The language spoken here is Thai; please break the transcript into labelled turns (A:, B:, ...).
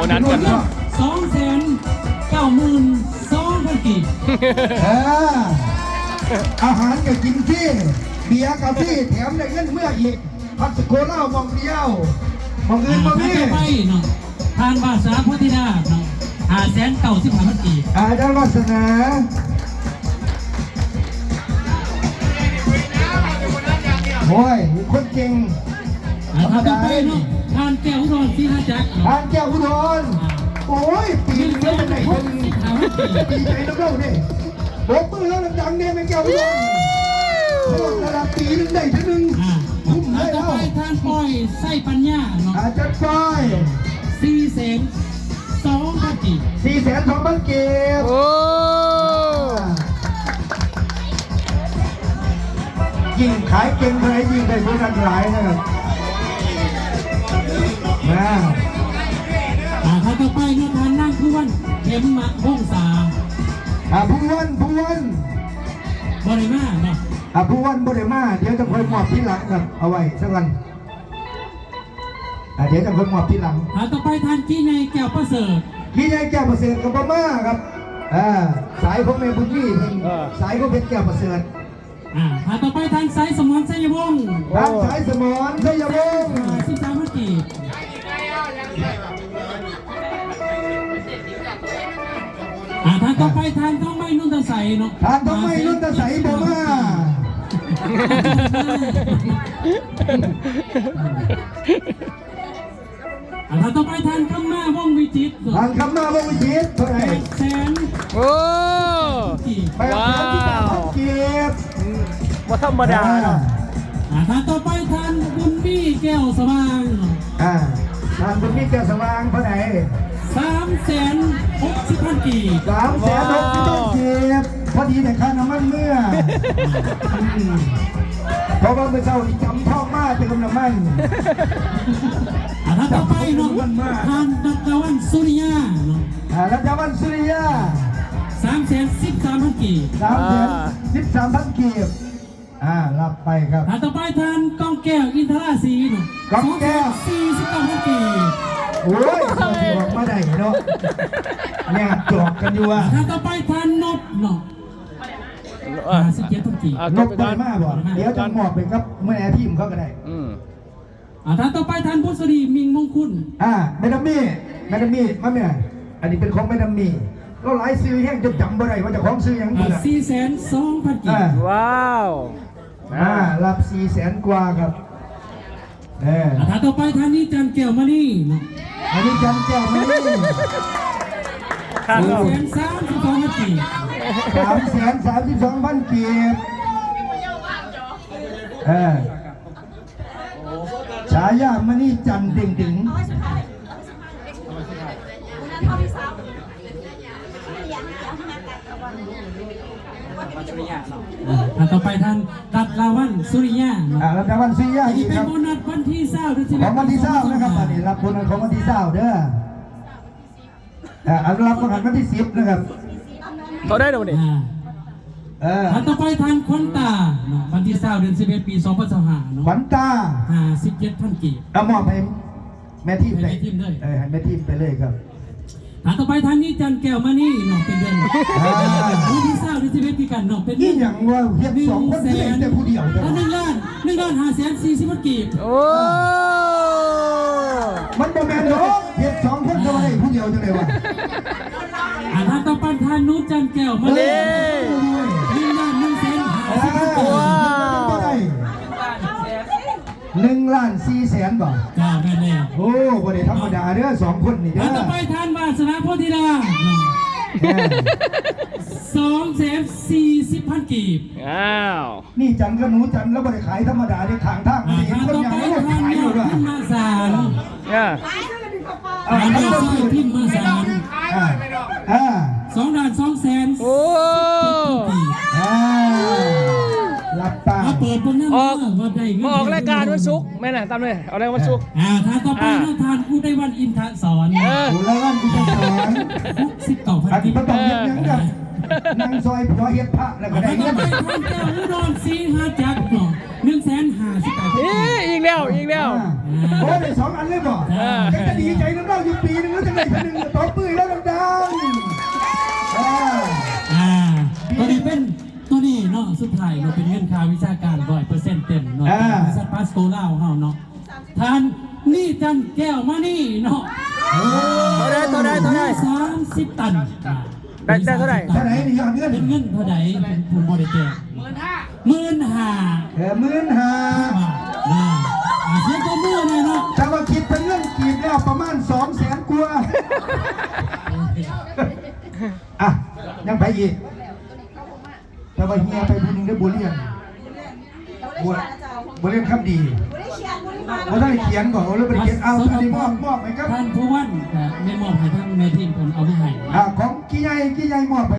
A: นัสกันเนาะ
B: 2,92,000 กีบ
C: อาหารก็กินที่เบียร์กับที่แถมได้เงินเมื่ออีกพัสโคล่ามองเดียวมองอื่นมองนี่
B: ไปเนาะทานภาษาพุทธิดาเนาะ5,95,000 กีบ
C: อาจารย์วัฒนาโอ้ยคนเก่ง
B: ธรรมดาเนาะทานแก้วอุดรที่5จักร
C: ทานแก้วอุดรโอ้ยปีนี้เป็นไหนคนปีไหนน้ำเล่าเนี่ยบอกมือแล้วดังเนี่ยเป็นแก้วอุดรโคตรระดับปีนึงได้ทีนึงคุ้มได้แล้ว
B: ทานปล่อยไส้ปัญญาเนาะ
C: อาจารย์ป้อย
B: 4,200,000 กีบ
C: 4,200,000 กีบ
A: โอ้
C: ยิ่งขายเก่งเท่าไหร่ยิ่งได้โบนัสหลายนะครับ
B: ถ้าต่อไปเนาะทานนั่งผู้วันเข็มมะพงษา
C: ผู้วัน
B: บริมาเนาะ
C: ผู้วันบริมาเดี๋ยวจะคอยมอบที่หลังครับเอาไว้สักวันเดี๋ยวจะคอยมอบที่หลัง
B: ต่อไปทานกี้ในแก้วประเสริฐ
C: กี้ในแก้วประเสริฐกับมาครับสายของแม่บุญนี่สายของเพชรแก้วประเสริฐ
B: ต่อไปทานสายสมรชัยวงศ์
C: ทานสายสมรชัยวงศ์
B: 13,000 กีบทานต่อไปทานต้องไม่นุ่นตะใสเนาะ
C: ทานต้องไม่นุ่นตะใสบ่มา
B: ทานต่อไปทานคำมาวงวิจิต
C: ทานคำมาวงวิจิตเท่าไหร่
A: โอ้
C: ว้าวเกียรติ
A: ว่าธรรมดาเนาะ
B: ทานต่อไปทานบุญบี้แก้วสว่าง
C: ทานบุญบี้แก้วสว่างเท่าไหร่
B: 3,60,000 กีบ
C: 3,60,000 กีบพอดีแต่ค่าน้ำมันเมื่อเพราะว่าเมื่อเช้าจำท่องมากเป็นกำลังมัน
B: ถ้าต่อไปเนาะทานรัตวันสุริยา
C: รัตวันสุริยา
B: 3,13,000 กีบ
C: 3,13,000 กีบรับไปครับ
B: ต่อไปทานกองแก้วอินทราศรี
C: กองแก้ว
B: 49,000 กีบ
C: โอ้ยบอกมาได้เนาะเนี่ยจอกกันอยู่
B: ต่อไปทานนบเนาะ57,000 กีบ
C: นบไปมากบ่เดี๋ยวจะหมอบไปครับเมื่อแอร์ทีมเขาก็ได้
B: ต่อไปทานพุทธดีมิงมงคุณ
C: แม่ดัมมี่มาเนี่ยอันนี้เป็นของแม่ดัมมี่เราหลายซื้อแห้งจนจำบ่ได้ว่าจะของซื้อยัง
B: ไง4,200,000 กีบ
A: ว้าว
C: รับ400,000 กว่าครับ
B: ต่อไปทานนี้จันแก้วมานี่
C: อันนี้จันแก้วมานี่
B: 3,32,000 กีบ
C: 3,32,000 กีบฉายามานี่จันดึง
B: ต่อไปท่านรัตลาวันสุริยา
C: รัตลาวันสุริยา
B: อีกเป็นโบนัสวันที่20
C: ของวันที่20นะครับอันนี้รับโบนัสของวันที่20เด้อรับโบนัสวันที่10นะครับ
A: เขาได้เดี๋ยวนี้
B: ต่อไปทานขวัญตาวันที่20 เดือน 11 ปี 2025
C: ขวัญตา
B: 57,000 กีบ
C: มอบให้แม่ทีมเลยให้แม่ทีมไปเลยครับ
B: ต่อไปทานนี้จันแก้วมานี่เป็นเดือนวันที่20 เดือน 11 ปีกันเป็น
C: นี่อย่างว่าเพียง2 คนแต่ผู้เดียว
B: 1,540,000 กีบ
A: โอ้
C: มันโมเมนต์เนาะเพียง2 คนทำไมผู้เดียวจังเลยวะ
B: ต่อไปทานนุชจันแก้วมานี่1,150,000 กีบ
C: 1,400,000 บาท
B: แม่เนี่ย
C: โอ้บริธรรมดาเด้อ2 คนนี่เด้อ
B: ต่อไปทานวาสนาโพธิดา2,40,000 กีบ
C: นี่จันก็หนูจันแล้วบริขายธรรมดาได้ขางทางเห็นคนอย่างนี้ขายอยู่ด้วย
B: มาสารพิมพ์มาสาร2,200,000
A: โอ้
C: รับตา
B: เปิดบนนั้น
A: ออกรายการวันศุกร์แม่น่ะตามเลยเอาอะไรวันศุกร์
B: ทานต่อไปทานผู้ได้วันอินทสอน
C: ผู้ได้วันอินทสอน
B: 19,000 กีบ
C: ต้องเห็นยังกับนางซอยผัวเฮ็ดพระแล้วก็ได้
B: เงินทานแก้วอุดรศรี5จักร1,550,000
A: อีกแล้ว
C: โอ้ได้2 อันเลยบ่ก็จะดีใจน้ำเล่าอยู่ปีนึงแล้วจะได้1ตบมือแล้วดังๆ
B: ตัวนี้เป็นตัวนี้เนาะสุดท้ายเราเป็นเงินค่าวิชาการ100%เต็มเนาะบริษัทพาสโกล่าเฮาเนาะทานนี่จันแก้วมานี่เนาะ
A: ตัวใด
B: 30 ตัน
A: ได้เท่าไหร่
C: นี่ยอดเงิน
B: เป็นเงินเท่าไหร่ผมบ่ได้แจ้ง15,000 15,000เสียตัวมือเลยเนาะ
C: ถ้าว่าคิดเป็นเงินกีบแล้วประมาณ200,000 กว่าอ่ะยังไปอีกแต่ว่าเฮียไปบุญได้บุญเรียนบุญเรียนคำดีเขาได้เขียนก่อนแล้วไปเขียนเอาอันนี้มอบให้ครับ
B: ท่านผู้ว่าแม่มอบให้ท่านแม่ทีมผมเอาไปให้
C: ของกี่ใหญ่มอบ